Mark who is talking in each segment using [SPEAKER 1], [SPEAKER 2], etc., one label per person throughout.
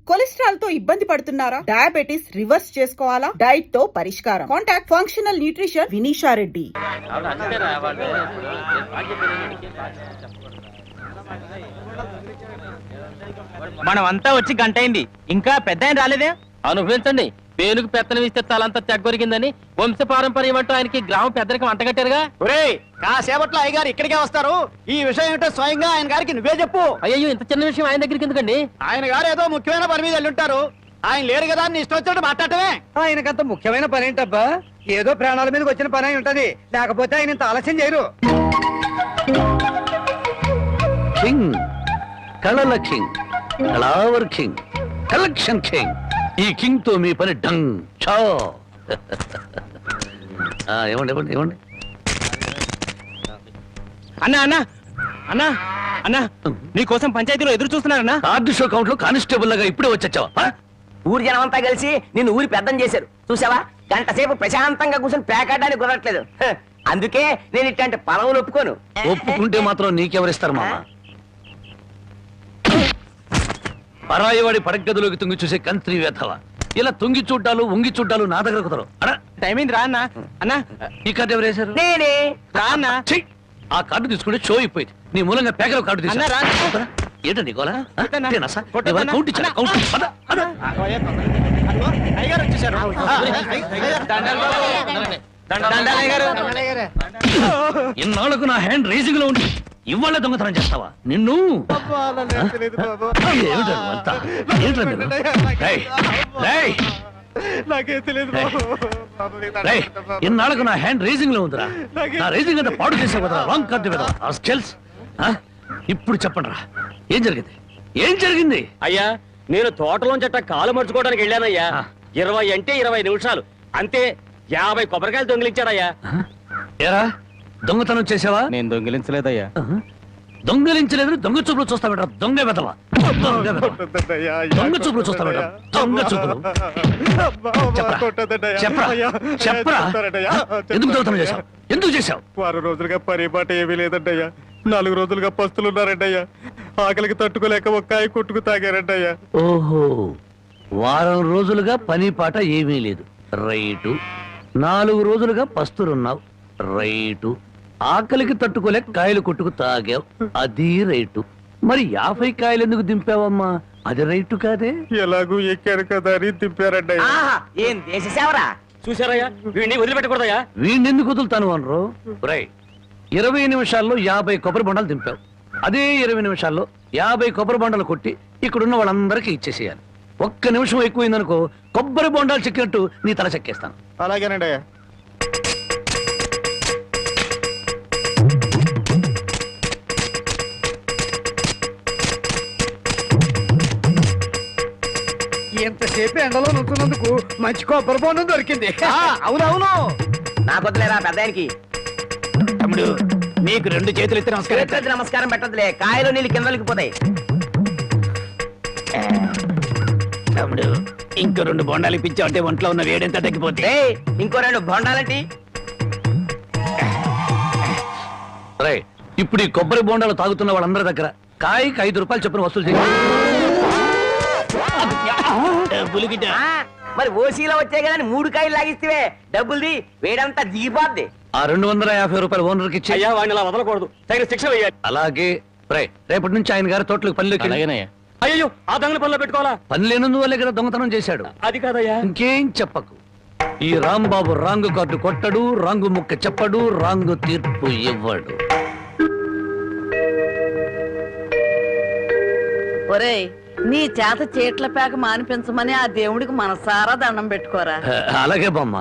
[SPEAKER 1] Cholesterol తో ఇబ్బంది పడుతున్నారా? డయాబెటిస్ రివర్స్ చేసుకోవాలా? డైట్ తో పరిష్కారం. Contact functional nutrition Vinisha Reddy.
[SPEAKER 2] మనమంతా వచ్చి గంట అయింది, ఇంకా పెద్ద ఆయన రాలేదే.
[SPEAKER 3] అనుభవించండి, పేనుకు పెత్తనం ఇస్తే తలంతా తెగ్గొరికిందని వంశ పారంపర్యం అంటూ ఆయనకి గ్రామ పెద్దరికి వంటగట్టారుగా.
[SPEAKER 2] ఒరేయ్, కాసేపట్లో అయ్యగారు ఇక్కడికే వస్తారు. ఈ విషయం ఏంటో స్వయంగా ఆయన గారికి నువ్వే చెప్పు.
[SPEAKER 3] అయ్యో, ఇంత చిన్న విషయం ఆయన దగ్గరికి ఎందుకండి?
[SPEAKER 2] ఆయన గారు ఏదో ముఖ్యమైన పని మీద వెళ్ళుంటారు. ఆయన లేరు కదా అని ఇష్టం వచ్చినట్టు మాట్లాడటమే.
[SPEAKER 4] ఆయనకంత ముఖ్యమైన పని ఏంటబ్బా? ఏదో ప్రాణాల మీదకి వచ్చిన పని అయి ఉంటది, లేకపోతే ఆయన ఇంత ఆలస్యం చేయరు.
[SPEAKER 5] కింగ్, కళల కింగ్, కళావర్ కింగ్, కలెక్షన్ కింగ్. ఈ కింగ్ తో మీ పని డంగ్ చో. ఇవ్వండి ఇవ్వండి ఇవ్వండి.
[SPEAKER 2] అన్నా అన్నా అన్నా అన్నా, నీకోసం పంచాయతీలో ఎదురు చూస్తున్నారన్నా.
[SPEAKER 5] కార్డు షో కౌంట్ లో కానిస్టేబుల్ లాగా ఇప్పుడే వచ్చావా?
[SPEAKER 6] ఊరి జనమంతా కలిసి నిన్ను ఊరి పెద్దం చేశారు చూసావా? గంట సేపు ప్రశాంతంగా కూర్చొని పేకాడడానికి కుదరట్లేదు. అందుకే నేను ఇట్లాంటి పదవులు ఒప్పుకోను.
[SPEAKER 5] ఒప్పుకుంటే మాత్రం నీకెవరిస్తారు మామ? పరాయివాడి పడగదిలోకి తుంగి చూసే కంత్రి వేధవ. ఇలా తుంగి చూడ్డాలు ఉంగి చూడ్డాలు నా దగ్గర కుదరవు.
[SPEAKER 2] టైం అయింది, రా అన్నా. అన్నా,
[SPEAKER 5] ఈ కార్డు ఎవరు వేశారు?
[SPEAKER 6] నేనే.
[SPEAKER 2] రా అన్నా.
[SPEAKER 5] ఆ కార్డు తీసుకుంటే షో అయిపోయింది. నీ మూలంగా పేకల కార్డు
[SPEAKER 2] అన్నా, రా.
[SPEAKER 5] తీసుకురా. ఏంటండి గోలా?
[SPEAKER 2] కొట్టన్నా.
[SPEAKER 5] కౌంట్ ఇచ్చాను.
[SPEAKER 2] అయ్యగారు వచ్చేసారు.
[SPEAKER 5] ఇన్నాళ్లకు నా హ్యాండ్ రేసింగ్ లో ఉండి ఇవాళ దొంగతనం చేస్తావా? నిన్ను ఇన్నాళ్లకు నా హ్యాండ్ రేసింగ్ లో ఉందిరా. నా రేసింగ్ అంతా పాడు చేసే కదా రాంగ్ కార్డు కదా. ఇప్పుడు చెప్పండి రా, ఏం జరిగింది? ఏం జరిగింది?
[SPEAKER 3] అయ్యా, నేను తోటలోంచట కాలు మర్చుకోవడానికి వెళ్ళానయ్యా. 20 అంటే 20 నిమిషాలు అంతే. 50 కొబ్బరికాయలు దొంగిలించాడయ్యా.
[SPEAKER 5] ఏరా, దొంగతనం చేసావా?
[SPEAKER 2] నేను దొంగిలించలేదయ్యా.
[SPEAKER 5] దొంగలించలేదు, దొంగ చూపులు చూస్తావేట. దొంగ వెదవా, దొంగ చూపులు చూస్తావేట. దొంగ చూపులు. చెప్పరా చెప్పరా, ఎందుకు దొంగతనం చేశావు? ఎందుకు చేశావు?
[SPEAKER 7] 6 రోజులుగా పరిపాట ఏమీ లేదంటయ్యా. 4 రోజులుగా పస్తులున్నారంటయ్యా. ఆకలికి తట్టుకోలేక ఒక్కాయ కొట్టుకు తాగారంటయ్యా.
[SPEAKER 5] ఓహో, వారం రోజులుగా పని పాట ఏమీ లేదు. రైటు. 4 రోజులుగా పస్తులున్నావు. రైటు. ఆకలికి తట్టుకోలేక కాయలు కొట్టుకు తాగావు. అది రైటు. మరి 50 కాయలు ఎందుకు దింపావమ్మా? అది రైటు కాదే.
[SPEAKER 7] ఎలాగూ ఎక్కారు కదా అని దింపారంటయ్యా.
[SPEAKER 6] ఆహా, ఏం దేశ సేవరా.
[SPEAKER 3] చూసారయ్యా, వీడిని వదిలిపెట్టకూడదయ్యా.
[SPEAKER 5] వీణెందుకు వదులుతాను అనరు? రై, 20 నిమిషాల్లో 50 కొబ్బరి బొండాలు దింపావు. అదే 20 నిమిషాల్లో 50 కొబ్బరి బొండాలు కొట్టి ఇక్కడున్న వాళ్ళందరికీ ఇచ్చేసేయాలి. 1 నిమిషం ఎక్కువైందనుకో, కొబ్బరి బొండాలు చెక్కినట్టు నీ తల చెక్కేస్తాను.
[SPEAKER 7] అలాగేనండి అయ్యా.
[SPEAKER 4] ఎంతసేపు ఎండలో నుంచున్నందుకు మంచి కొబ్బరి బొండం దొరికింది.
[SPEAKER 2] అవునవును.
[SPEAKER 6] నాకు వద్దులేరా పెద్దానికి.
[SPEAKER 2] తమ్ముడు, నీకు 2 చేతులు ఎత్తి నమస్కారం.
[SPEAKER 6] చేతులెత్తి నమస్కారం పెట్టదులే, కాయలు నీళ్ళు కిందలకి పోతాయి.
[SPEAKER 2] తమ్ముడు, ఇంకో 2 బొండాలు ఇప్పించావు అంటే ఒంట్లో ఉన్న వేడెంత తగ్గిపోతే.
[SPEAKER 6] ఏయ్, ఇంకో 2 బొండాలంటి.
[SPEAKER 5] రై, ఇప్పుడు ఈ కొబ్బరి బొండాలు తాగుతున్న వాళ్ళందరి దగ్గర కాయకి 5 రూపాయలు చొప్పున వసూలు చేయాలి.
[SPEAKER 6] మరి ఓసీలో వచ్చాయి కదా 3 కాయలు లాగిస్తే డబ్బుల్ది వేడంతా దిగిపోద్ది.
[SPEAKER 5] ఆ 250 రూపాయలు ఓనర్కి ఇచ్చి.
[SPEAKER 3] అయ్యా, వాడిని అలా వదలకూడదు, తగిన శిక్ష వేయాలి.
[SPEAKER 5] అలాగే. రై, రేపటి నుంచి ఆయన గారి తోటలకు పనిలోకి.
[SPEAKER 3] అయ్యో, ఆ దొంగల పనిలో పెట్టుకోవాలా?
[SPEAKER 5] పని లేనందువల్లే కదా దొంగతనం చేశాడు.
[SPEAKER 3] అది కాదయ్యా.
[SPEAKER 5] ఇంకేం చెప్పకు. ఈ రాంబాబు రాంగు కార్డు కొట్టడు, రాంగు ముక్క చెప్పడు, రాంగు తీర్పు ఇవ్వడు.
[SPEAKER 8] ఒరేయ్, నీ చేత చీట్ల పేక మానిపించమని ఆ దేవుడికి మనసారా దండం పెట్టుకోరా.
[SPEAKER 5] అలాగే బామ్మ.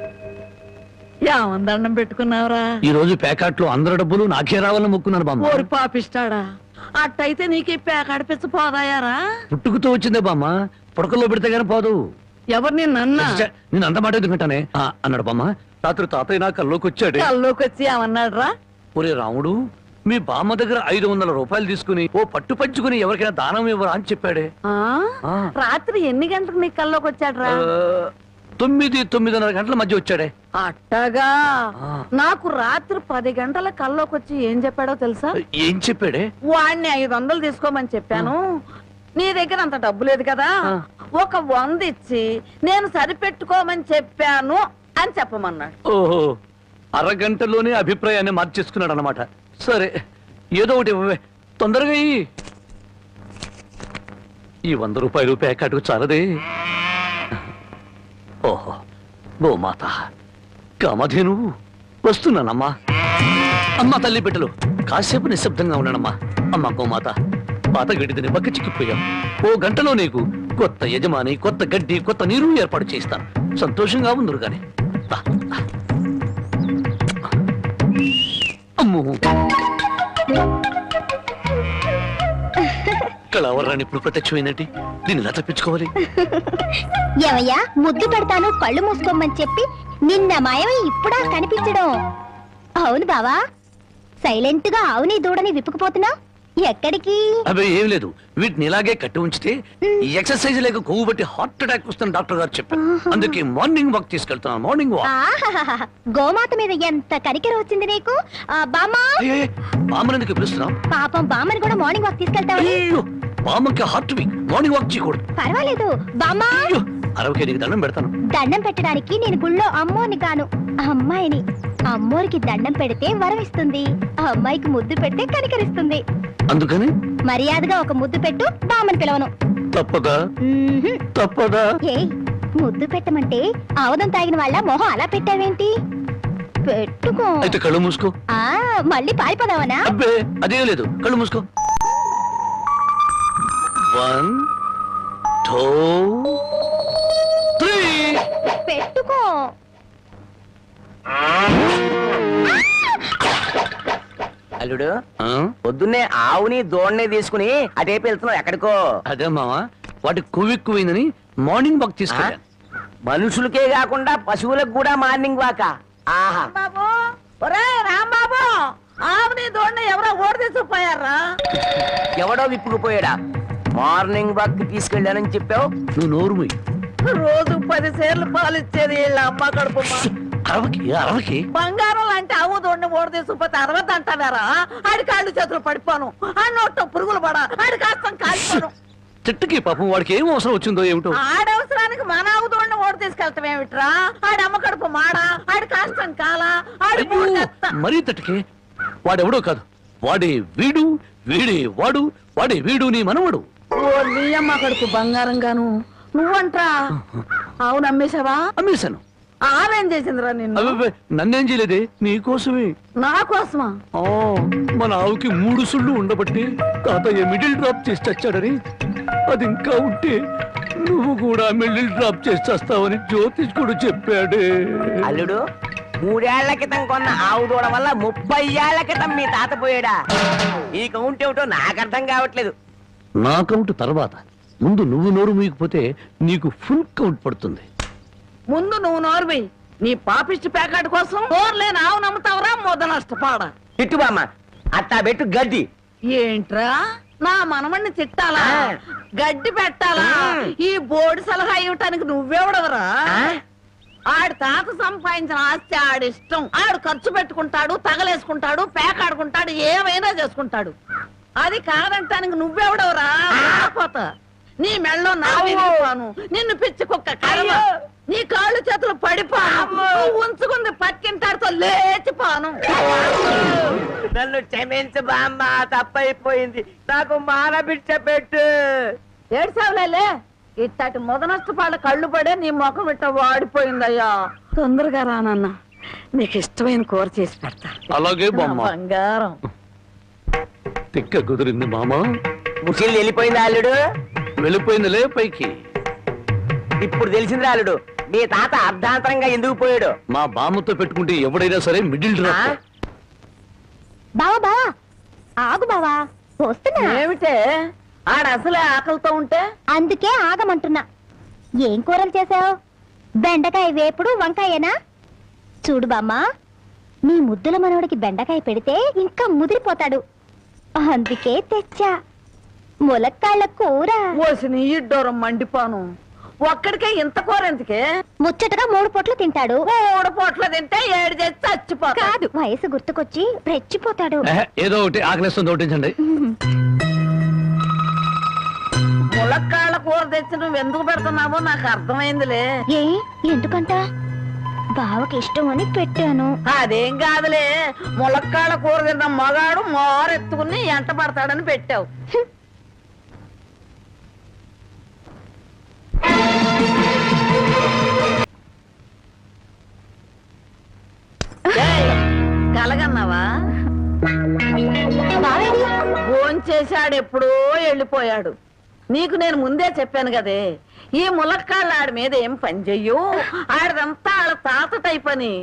[SPEAKER 8] ఏమని దండం పెట్టుకున్నావురా?
[SPEAKER 5] ఈ రోజు ప్యాకెట్లో అందరి డబ్బులు నాకే రావాలని మొక్కున్నాను బామ్మ.
[SPEAKER 8] ఓరి పాపిస్తాడా, అట్టయితే నీకు పేకాడిపించ పోదాయారా?
[SPEAKER 5] పుట్టుకుతో వచ్చిందే బామ్మ, పుడకల్లో పెడితే గానీ పోదు.
[SPEAKER 8] ఎవరు నిన్నన్నా?
[SPEAKER 5] నేను అంత మాట ఎందుకంటానే అన్నాడు బామ్మ. రాత్రి తాతయ్య నా కల్లోకి వచ్చాడు.
[SPEAKER 8] కల్లోకి వచ్చి ఏమన్నాడు రా?
[SPEAKER 5] ఒరే రాముడు, మీ బామ్మ దగ్గర 500 రూపాయలు తీసుకుని ఓ పట్టు పంచుకుని ఎవరికైనా దానం ఇవ్వరా అని చెప్పాడే.
[SPEAKER 8] రాత్రి ఎన్ని గంటలకు నీ కల్లోకి వచ్చాడు రా?
[SPEAKER 5] 9-9:30 గంటల మధ్య వచ్చాడే.
[SPEAKER 8] అట్టగా. నాకు రాత్రి 10 గంటల కల్లోకి వచ్చి ఏం చెప్పాడో తెలుసా?
[SPEAKER 5] ఏం చెప్పాడే?
[SPEAKER 8] వాడిని 500 తీసుకోమని చెప్పాను. నీ దగ్గర అంత డబ్బు లేదు కదా, ఒక 100 ఇచ్చి నేను సరిపెట్టుకోమని చెప్పాను అని చెప్పమన్నాడు.
[SPEAKER 5] ఓహో, అరగంటలోనే అభిప్రాయాన్ని మార్చేసుకున్నాడు అనమాట. సరే, ఏదో ఒకటి ఇవ్వవే, తొందరగా ఇయ్యి. ఈ 100 రూపాయలు ప్యాకెట్కు చాలదే. ఓహో, గోమాత కామధేను వస్తున్నానమ్మా. అమ్మా తల్లి బిడ్డలు కాసేపు నిశ్శబ్దంగా ఉన్నానమ్మా. అమ్మా గోమాత, పాత గడ్డిని బక్క చిక్కిపోయాం. ఓ గంటలో నీకు కొత్త యజమాని, కొత్త గడ్డి, కొత్త నీరు ఏర్పాటు చేస్తాను. సంతోషంగా ఉందరు గాని. అమ్మో, కళావరాన్ని ఇప్పుడు ప్రత్యక్షమైందంటే దీన్ని ఎలా తప్పించుకోవాలి?
[SPEAKER 9] ఏమయ్యా, ముద్దు పెడతాను కళ్ళు మూసుకోమని చెప్పి నిన్న మాయమై ఇప్పుడా కనిపించడం? అవును బావా, సైలెంట్ గా ఆవుని దూడని విప్పుకుపోతున్నావు, ఎక్కడికి?
[SPEAKER 5] అవి ఏం లేదు, వీటిని ఇలాగే కట్టి ఉంచితే ఈ ఎక్సర్సైజ్ లేక కొవ్వు బట్టి హార్ట్ అటాక్ వస్తుంది డాక్టర్ గారు చెప్పారు. అందుకే మార్నింగ్ వాక్ తీసుకెళ్తున్నాను. Morning walk.
[SPEAKER 9] ఆహాహాహా, గోమాత మీద ఎంత కనికెర వచ్చింది నీకు. బామ్మా,
[SPEAKER 5] బామ్మనందుకు పిలుస్తున్నాం.
[SPEAKER 9] పాపం బామ్మని కూడా మార్నింగ్ వాక్ తీసుకెళ్తావా?
[SPEAKER 5] అయ్యో, బామ్మకి హార్ట్ వీక్, మార్నింగ్ వాక్ చేయకూడదు.
[SPEAKER 9] పర్వాలేదు బామ్మా,
[SPEAKER 5] అయ్యో, 60 నీకు దండం పెడతాను.
[SPEAKER 9] దండం పెట్టడానికి నేను గుళ్ళో అమ్మోని కాను, అమ్మాయిని. అమ్మోరికి దండం పెడితే వరం ఇస్తుంది, ఆ అమ్మాయికి ముద్దు పెడితే కనికరిస్తుంది.
[SPEAKER 5] అందుకని
[SPEAKER 9] మర్యాదగా ఒక ముద్దు పెట్టు, బామ్మని పిలవను.
[SPEAKER 5] తప్పదా?
[SPEAKER 9] మ్మ్హ్మ్.
[SPEAKER 5] తప్పదా?
[SPEAKER 9] ఏయ్, ముద్దు పెట్టమంటే ఆవదం తాగిన వాళ్ళ మొహం అలా పెట్టావేంటి? పెట్టుకో.
[SPEAKER 5] అయితే కళ్ళు మూసుకో.
[SPEAKER 9] మళ్ళీ పారిపోదావనా?
[SPEAKER 5] అబ్బే, అదేం లేదు, కళ్ళు మూసుకో. 1 2 3.
[SPEAKER 9] పెట్టుకో.
[SPEAKER 6] అల్లుడు,
[SPEAKER 5] ఆ?
[SPEAKER 6] పొద్దున్నే ఆవుని దోణ్ణి తీసుకుని అటేపు వెళ్తున్నావు, ఎక్కడికో?
[SPEAKER 5] అదే మావా, వాటి కొవ్వెక్కువైందని మార్నింగ్ వాక్ తీసుకెళ్ళా.
[SPEAKER 6] మనుషులకే కాకుండా పశువులకు కూడా మార్నింగ్ వాక. ఆహా,
[SPEAKER 8] బాబు, ఒరే రాంబాబు, ఆవుని దోడిని ఎవరో ఓడి తీసుకుపోయారా?
[SPEAKER 6] ఎవడో విప్పుకుపోయాడా? మార్నింగ్ వాక్ తీసుకెళ్ళానని చెప్పావు.
[SPEAKER 5] నువ్వు నోరు మూయి.
[SPEAKER 8] రోజు 10 సేర్లు పాలు ఇచ్చేది వీళ్ళ అమ్మ కడుపు.
[SPEAKER 5] అరవకి
[SPEAKER 8] బంగారం లాంటి ఆవు దోడిని ఓడి తీసుకుపోతే 60 అంటారా? ఆడి కాళ్ళు చేతులు పడిపోను, ఆ నోట్లో పురుగులు పడా, ఆడి కాస్తం కాలిపోను.
[SPEAKER 5] చెట్టుకి పాపం వాడికి ఏం అవసరం వచ్చిందో ఏమిటో.
[SPEAKER 8] ఆడవసరానికి మన ఆవు దోడిని ఓడి తీసుకెళ్తాం ఏమిట్రా? ఆడి అమ్మ కడుపు మాడా, ఆడి కాస్తం కాలా, ఆడి
[SPEAKER 5] అయ్యో, మరీ తట్టుకే. వాడెవడో కాదు, వాడే వీడు, వీడే వాడు, వాడే వీడు నీ మనవడు.
[SPEAKER 8] ఓ నీ అమ్మ కడుపు బంగారం గాను. నువ్వంట్రా ఆవును అమ్మేశావా?
[SPEAKER 5] అమ్మేశాను.
[SPEAKER 8] ఆవేం చేసిందిరా నిన్ను?
[SPEAKER 5] అబ్బే, నన్నేం చేయలేదే, నీకోసమే.
[SPEAKER 8] నా కోసమా?
[SPEAKER 5] ఆ, మన ఆవుకి 3 సుళ్ళు ఉండబట్టి తాతయ్య మిడిల్ డ్రాప్ చేసి చచ్చాడని, అది ఇంకా ఉంటే నువ్వు కూడా మిడిల్ డ్రాప్ చేసి చేస్తావని జ్యోతిష్కుడు చెప్పాడే.
[SPEAKER 6] అల్లుడు, 3 ఏళ్ల క్రితం కొన్న ఆవు దూడ వల్ల 30 ఏళ్ల క్రితం మీ తాత పోయాడా? ఈ కౌంట్ ఏమిటో నాకు అర్థం కావట్లేదు.
[SPEAKER 5] నా కౌంట్ తర్వాత, ముందు నువ్వు నోరు మూయకపోతే నీకు ఫుల్ కౌంట్ పడుతుంది.
[SPEAKER 8] ముందు నువ్వు నోర్వి. నీ పాపిష్టి ప్యాకెట్ కోసం నోర్లేని ఆవు నమ్ముతావరా? మొద నష్టపాడ.
[SPEAKER 6] తిట్టుబామ్మ, అట్టా పెట్టు గడ్డి.
[SPEAKER 8] ఏంట్రా, నా మనమణ్ణి తిట్టాలా, గడ్డి పెట్టాలా? ఈ బోర్డు సలహా ఇవ్వటానికి నువ్వెవడవరా? ఆడి తాత సంపాదించిన ఆస్తి ఆడిష్టం. ఆడు ఖర్చు పెట్టుకుంటాడు, తగలేసుకుంటాడు, పేకాడుకుంటాడు, ఏమైనా చేసుకుంటాడు. అది కాదంటానికి నువ్వెవడవరా? పోతా నీ మెళ్ళో నా విరిగిపోను, నిన్ను పిచ్చి కుక్క కర్మ, నీ కాళ్ళు చేతులు పడిపోను, నువ్వు ఉంచుకుంది పక్కింటాడితో లేచిపోను.
[SPEAKER 6] నన్ను క్షమించు బామ్మ, తప్పైపోయింది. నాకు మానబిడ్డ పెట్టు.
[SPEAKER 8] ఏడ్సావులే, ఇట్టటి మొద నష్టపాళ్ళ కళ్ళు పడే నీ ముఖం ఇట్ట వాడిపోయిందయ్యా. తొందరగా రానన్న, నీకు ఇష్టమైన కూర చేసి పెడతా.
[SPEAKER 5] అలాగే బామ్మ.
[SPEAKER 8] నా బంగారం.
[SPEAKER 5] తిక్క కుదిరింది మామ.
[SPEAKER 6] ముసిల్ వెళ్ళిపోయిందా అల్లుడు?
[SPEAKER 5] వెళ్ళిపోయిందిలే పైకి.
[SPEAKER 6] ఇప్పుడు తెలిసింది అల్లుడు, మీ తాత అర్ధాంతరంగా ఎందుకు పోయాడు.
[SPEAKER 5] మా బామ్మతో పెట్టుకుంటే ఎవడైనా సరే మిడిల్ డ్రాప్.
[SPEAKER 9] బావా బావా, ఆగు బావా, వస్తున్నా.
[SPEAKER 8] ఏమిటే ఆడ అసలే ఆకలితో ఉంటే?
[SPEAKER 9] అందుకే ఆగమంటున్నా. ఏం కూరలు చేసావు? బెండకాయ వేపుడు, వంకాయేనా? చూడు బామ్మ, నీ ముద్దుల మనవడికి బెండకాయ పెడితే ఇంకా ముదిరిపోతాడు, అందుకే తెచ్చా ములక్కాళ్ళ కూర.
[SPEAKER 8] ఓసిన ఇడ్డోరం మండిపోను. ఒక్కడికే ఇంత కూర ఎందుకే?
[SPEAKER 9] ముచ్చటగా 3 పూట్లు తింటాడు.
[SPEAKER 8] 3 పూట్ల తింటే 7 చేసి చచ్చిపోతాడు.
[SPEAKER 9] కాదు, వయసు గుర్తుకొచ్చి రెచ్చిపోతాడు.
[SPEAKER 5] ఏదో ఒకటి ఆకలిస్తుంది, ఒకటించండి.
[SPEAKER 8] ములక్కాళ్ళ కూర తెచ్చి నువ్వు ఎందుకు పెడుతున్నావో నాకు అర్థమైందిలే.
[SPEAKER 9] ఏ ఎందుకంట? బావకి ఇష్టం అని పెట్టాను.
[SPEAKER 8] అదేం కాదులే, ములక్కాళ్ళ కూర తిన్న మగాడు మోరెత్తుకుని ఎంట పడతాడని పెట్టావు. ఏయ్, కలగన్నావా?
[SPEAKER 9] బావేది?
[SPEAKER 8] భోంచేశాడు, ఎప్పుడో వెళ్ళిపోయాడు. నీకు నేను ముందే చెప్పాను కదే, ఈ ములక్కాళ్ళు ఆడి మీద ఏం పని చెయ్యు, ఆడిదంతా ఆడ తాత టైప్ అని.